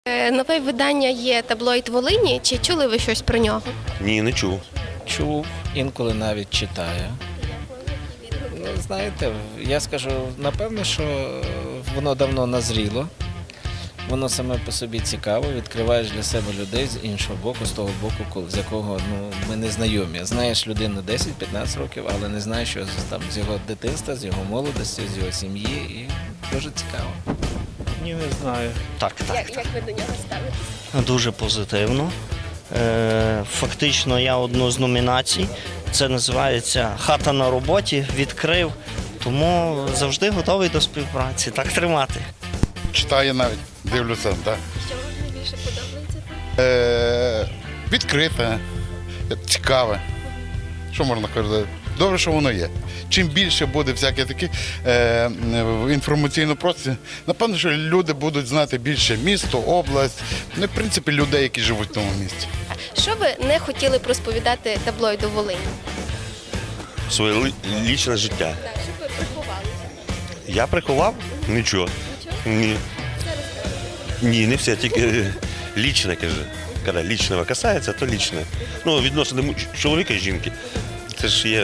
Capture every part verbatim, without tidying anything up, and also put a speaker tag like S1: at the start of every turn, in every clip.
S1: Е, Нове видання є таблоїд Волині. Чи чули ви щось про нього?
S2: Ні, не чув.
S3: Чув, інколи навіть читаю. Ну, знаєте, я скажу, напевно, що воно давно назріло. Воно саме по собі цікаво, відкриваєш для себе людей з іншого боку, з того боку, з якого ну, ми не знайомі. Знаєш людину десять-п'ятнадцять років, але не знаєш, що там з його дитинства, з його молодості, з його сім'ї. І дуже цікаво.
S4: Ні, не знаю.
S5: Так, так,
S1: Як,
S5: так.
S1: як ви до нього ставитесь?
S5: Дуже позитивно. Е, Фактично я одну з номінацій. Це називається «Хата на роботі», відкрив. Тому завжди готовий до співпраці. Так тримати.
S6: Читаю навіть, дивлюся, так.
S1: Що вам найбільше подобається?
S6: Е, відкрите, цікаве. Що можна казати? Добре, що воно є. Чим більше буде всяке таке е, в інформаційному просторі, напевно, що люди будуть знати більше місто, область, ну, і, в принципі, людей, які живуть в тому місті.
S1: Що ви не хотіли б розповідати таблоїду Волині?
S2: Своє ли- лічне життя.
S1: Так, щоб ви приховали.
S2: Я приховав? Нічого. Ні. Ні, не все, тільки е, лічне, каже. Коли лічного касається, то лічне. Ну, відносини му- чоловіка і жінки. Це ж є.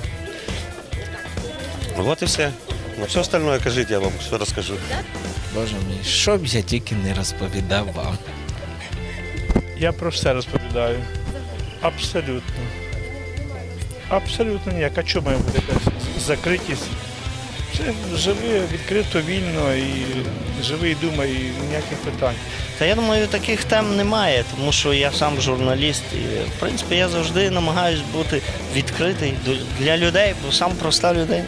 S2: От і все. Ну, все остальное кажіть, я вам все розкажу.
S3: Боже мій, що б я тільки не розповідав вам.
S4: Я про все розповідаю. Абсолютно. Абсолютно ніяк. А чому має бути якась закритість? Це живи відкрито, вільно і живи і думай, і ніяких питань.
S5: Та я думаю, таких тем немає, тому що я сам журналіст. І, в принципі, я завжди намагаюся бути відкритий до- для людей, бо сам проста людина.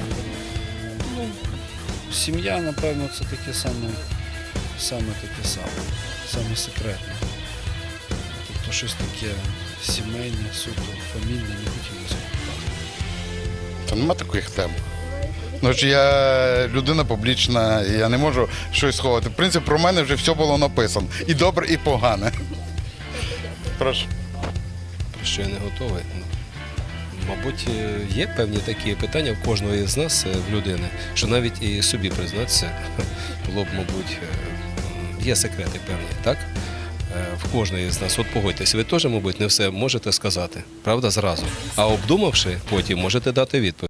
S7: Сім'я, напевно, це таке саме, саме таке саме, саме секретне. Тобто щось таке сімейне, суто, фамільне, не хотілося б.
S6: Та нема таких тем. Ну, ж я людина публічна, і я не можу щось сховати. В принципі, про мене вже все було написано. І добре, і погане. Прошу.
S8: Про що я не готовий. Ну, мабуть, є певні такі питання в кожного з нас, е, в людини, що навіть і собі признатися було б, мабуть, е, є секрети певні, так? Е, В кожної з нас. От погодьтесь, ви теж, мабуть, не все можете сказати, правда, зразу. А обдумавши, потім можете дати відповідь.